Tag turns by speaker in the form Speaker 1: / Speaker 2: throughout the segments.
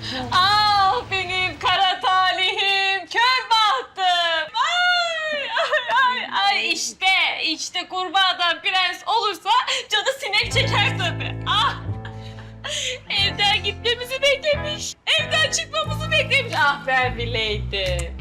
Speaker 1: Ah benim kara talihim, kör bahtım. Ay işte kurbağadan prens olursa canı sinek çeker tabii. Ah! Evden gitmemizi beklemiş. Evden çıkmamızı beklemiş. Ah ben bileydim.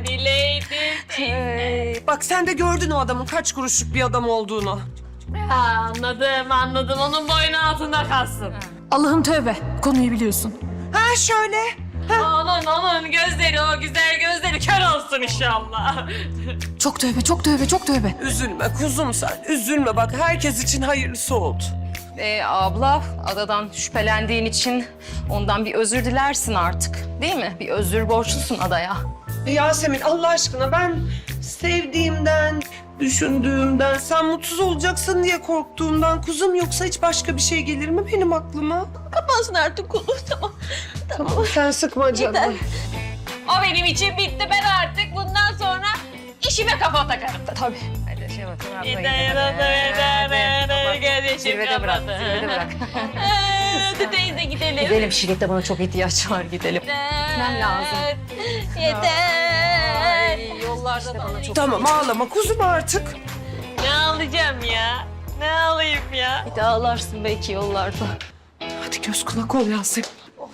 Speaker 2: Bak sen de gördün o adamın kaç kuruşluk bir adam olduğunu.
Speaker 1: Ha, anladım. Onun boynu altında kalsın.
Speaker 3: Allah'ım tövbe. Konuyu biliyorsun.
Speaker 2: Ha şöyle.
Speaker 1: Onun gözleri, o güzel gözleri kör olsun inşallah.
Speaker 3: Çok tövbe, çok tövbe, çok tövbe.
Speaker 2: Üzülme kuzum sen. Üzülme bak herkes için hayırlısı oldu.
Speaker 4: Abla, adadan şüphelendiğin için ondan bir özür dilersin artık. Değil mi? Bir özür borçlusun adaya.
Speaker 2: Yasemin Allah aşkına ben sevdiğimden, düşündüğümden, sen mutsuz olacaksın diye korktuğumdan kuzum, yoksa hiç başka bir şey gelir mi benim aklıma?
Speaker 1: Kapansın artık konu, tamam.
Speaker 2: Tamam sen sıkma canım.
Speaker 1: O benim için bitti. Ben artık bundan sonra işime kafa takarım.
Speaker 4: Tabii. Hadi şey bak.
Speaker 1: Zirvede
Speaker 4: bırak, zirvede bırak.
Speaker 1: Hadi teyze gidelim.
Speaker 4: Gidelim, Şirin'de bana çok ihtiyaç var, gidelim. Gitmem lazım.
Speaker 1: Yeter.
Speaker 4: Yollarda bana çok...
Speaker 2: Tamam ağlama kuzum artık.
Speaker 1: Ne alacağım ya? Ne alayım ya?
Speaker 4: Bir de ağlarsın belki yollarda.
Speaker 2: Hadi göz kulak ol Yasemin.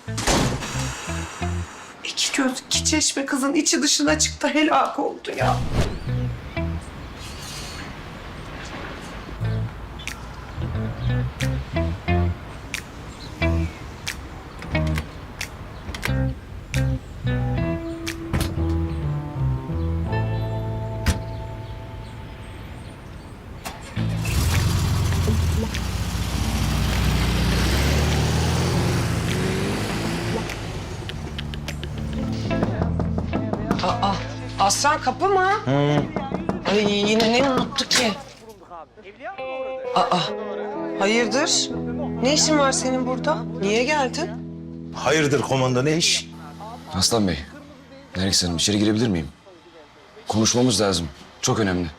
Speaker 2: İki göz, iki çeşme kızın içi dışına çıktı, helak oldu ya. Aa, Aslan kapı mı? Ay yine ne unuttu ki? Aa, hayırdır? Ne işin var senin burada? Niye geldin?
Speaker 5: Hayırdır komando, ne iş?
Speaker 6: Aslan Bey, Nergis Hanım içeri girebilir miyim? Konuşmamız lazım. Çok önemli.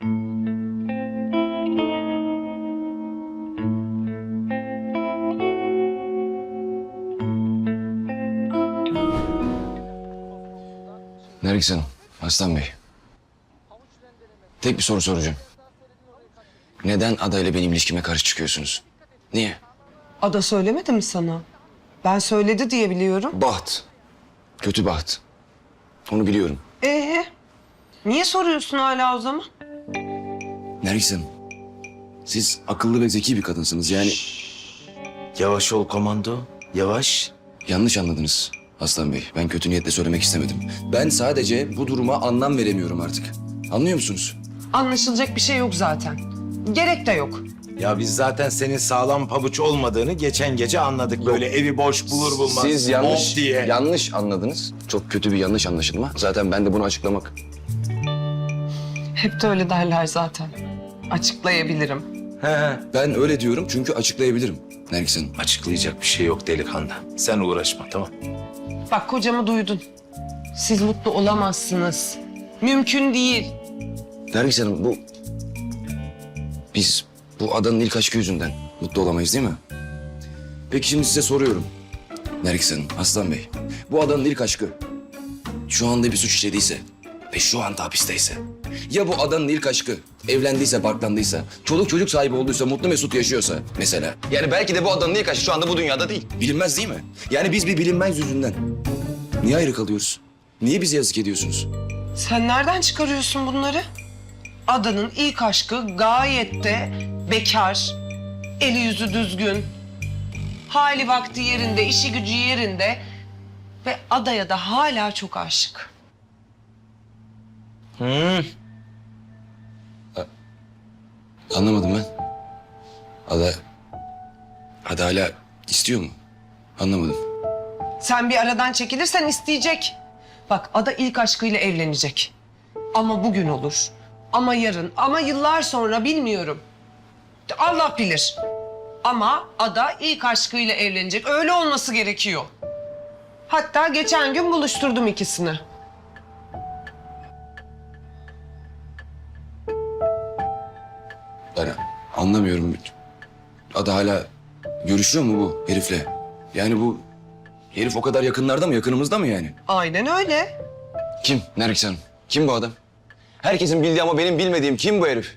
Speaker 6: Nergis Hanım, Aslan Bey. Tek bir soru soracağım. Neden adayla benim ilişkime karşı çıkıyorsunuz? Niye?
Speaker 2: Ada söylemedi mi sana? Ben söyledi diye biliyorum.
Speaker 6: Baht. Kötü baht. Onu biliyorum.
Speaker 2: Niye soruyorsun hala o zaman?
Speaker 6: Nergis Hanım, siz akıllı ve zeki bir kadınsınız. Yani
Speaker 5: Yavaş ol komando, yavaş.
Speaker 6: yanlış anladınız Aslan Bey. Ben kötü niyetle söylemek istemedim. Ben sadece bu duruma anlam veremiyorum artık. Anlıyor musunuz?
Speaker 2: Anlaşılacak bir şey yok zaten. Gerek de yok.
Speaker 5: Ya biz zaten senin sağlam pabuç olmadığını geçen gece anladık. Böyle evi boş bulur bulmaz.
Speaker 6: Siz yanlış,
Speaker 5: hop diye.
Speaker 6: yanlış anladınız. Çok kötü bir yanlış anlaşılma. Zaten ben de bunu açıklamak...
Speaker 2: Hep de öyle derler zaten. Açıklayabilirim.
Speaker 5: He,
Speaker 6: Ben öyle diyorum çünkü açıklayabilirim Nergis Hanım.
Speaker 5: açıklayacak bir şey yok delikanlı. Sen uğraşma, tamam.
Speaker 2: Bak kocamı duydun. Siz mutlu olamazsınız. Mümkün değil.
Speaker 6: Nergis Hanım biz bu adanın ilk aşkı yüzünden mutlu olamayız değil mi? Peki şimdi size soruyorum. Nergis Hanım, Aslan Bey. Bu adanın ilk aşkı şu anda bir suç işlediyse ve şu anda hapisteyse... Ya bu adanın ilk aşkı evlendiyse, barklandıysa, çoluk çocuk sahibi olduysa, mutlu mesut yaşıyorsa mesela. Yani belki de bu adanın ilk aşkı şu anda bu dünyada değil. Bilinmez değil mi? Yani biz bir bilinmez yüzünden niye ayrı kalıyoruz? Niye bize yazık ediyorsunuz?
Speaker 2: Sen nereden çıkarıyorsun bunları? Adanın ilk aşkı gayet de bekar, eli yüzü düzgün, hali vakti yerinde, işi gücü yerinde ve adaya da hala çok aşık.
Speaker 6: Anlamadım ben. Ada hala istiyor mu? Anlamadım.
Speaker 2: Sen bir aradan çekilirsen isteyecek. Bak Ada ilk aşkıyla evlenecek. Ama bugün olur, ama yarın, ama yıllar sonra bilmiyorum. Allah bilir. Ama Ada ilk aşkıyla evlenecek. Öyle olması gerekiyor. Hatta geçen gün buluşturdum ikisini.
Speaker 6: Ben anlamıyorum. Ada hala görüşüyor mu bu herifle? Yani bu Herif o kadar yakınlarda mı, yakınımızda mı yani?
Speaker 2: Aynen öyle.
Speaker 6: Kim Nergis Hanım? Kim bu adam? Herkesin bildiği ama benim bilmediğim kim bu herif?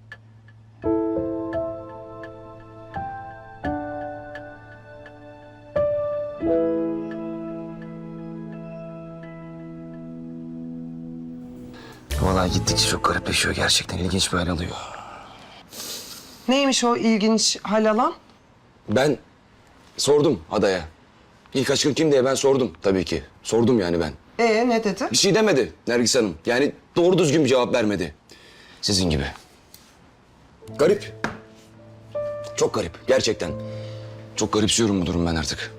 Speaker 6: Vallahi gittikçe çok garipleşiyor gerçekten. İlginç bir hal alıyor.
Speaker 2: Neymiş o ilginç hal alan?
Speaker 6: Ben sordum adaya. İlk aşkın kim diye ben sordum tabii ki. Sordum yani ben.
Speaker 2: Ne dedi?
Speaker 6: Bir şey demedi Nergis Hanım. Yani doğru düzgün bir cevap vermedi. Sizin gibi. Garip. Çok garip gerçekten. Çok garipsiyorum bu durum ben artık.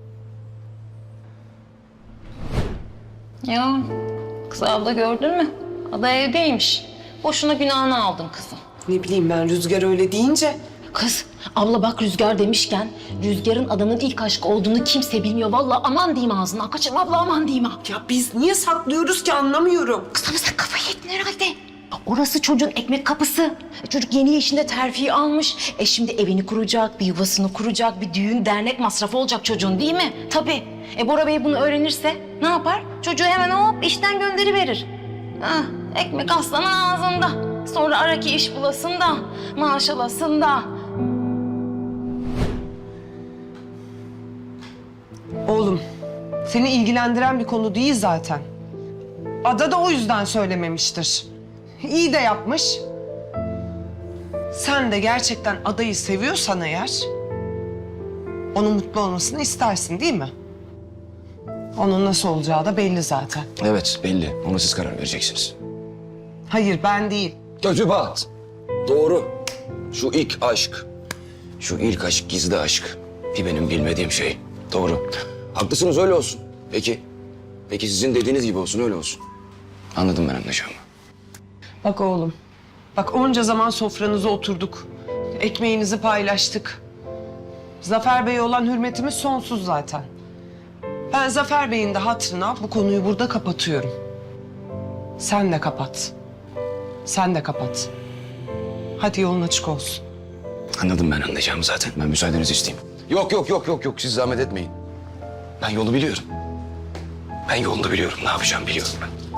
Speaker 4: Ya kız abla gördün mü? Ada evdeymiş. Boşuna günahını aldın kızım.
Speaker 2: Ne bileyim ben Rüzgar öyle deyince.
Speaker 7: Kız, abla bak Rüzgar demişken Rüzgar'ın adamın ilk aşkı olduğunu kimse bilmiyor. Vallahi aman diyeyim ağzından. Kaçırım abla aman diyeyim ha.
Speaker 2: Ya biz niye saklıyoruz ki anlamıyorum.
Speaker 7: Kız ama sen kafayı yedin herhalde. Orası çocuğun ekmek kapısı. Çocuk yeni yaşında terfi almış. Şimdi evini kuracak, bir yuvasını kuracak, bir düğün dernek masrafı olacak çocuğun değil mi? Tabii. Bora Bey bunu öğrenirse ne yapar? Çocuğu hemen hop işten gönderiverir. Ah, ekmek aslanın ağzında. Sonra ara ki iş bulasın da, maaş alasın da.
Speaker 2: Oğlum, seni ilgilendiren bir konu değil zaten. Ada da o yüzden söylememiştir. İyi de yapmış. Sen de gerçekten adayı seviyorsan eğer... onun mutlu olmasını istersin değil mi? Onun nasıl olacağı da belli zaten.
Speaker 6: Evet belli. Ona siz karar vereceksiniz.
Speaker 2: Hayır ben değil.
Speaker 6: Gözü bat. Doğru. Şu ilk aşk. Şu ilk aşk gizli aşk. Bir benim bilmediğim şey. Doğru. Haklısınız öyle olsun. Peki. Peki sizin dediğiniz gibi olsun öyle olsun. Anladım ben anlayacağımı.
Speaker 2: Bak oğlum, bak onca zaman sofranıza oturduk. Ekmeğinizi paylaştık. Zafer Bey'e olan hürmetimiz sonsuz zaten. Ben Zafer Bey'in de hatırına bu konuyu burada kapatıyorum. Sen de kapat. Sen de kapat. Hadi yolun açık olsun.
Speaker 6: Anladım ben anlayacağımı zaten. Ben müsaadenizi isteyeyim. Yok. Siz zahmet etmeyin. Ben yolu biliyorum. Ben yolunu biliyorum. Ne yapacağım biliyorum ben.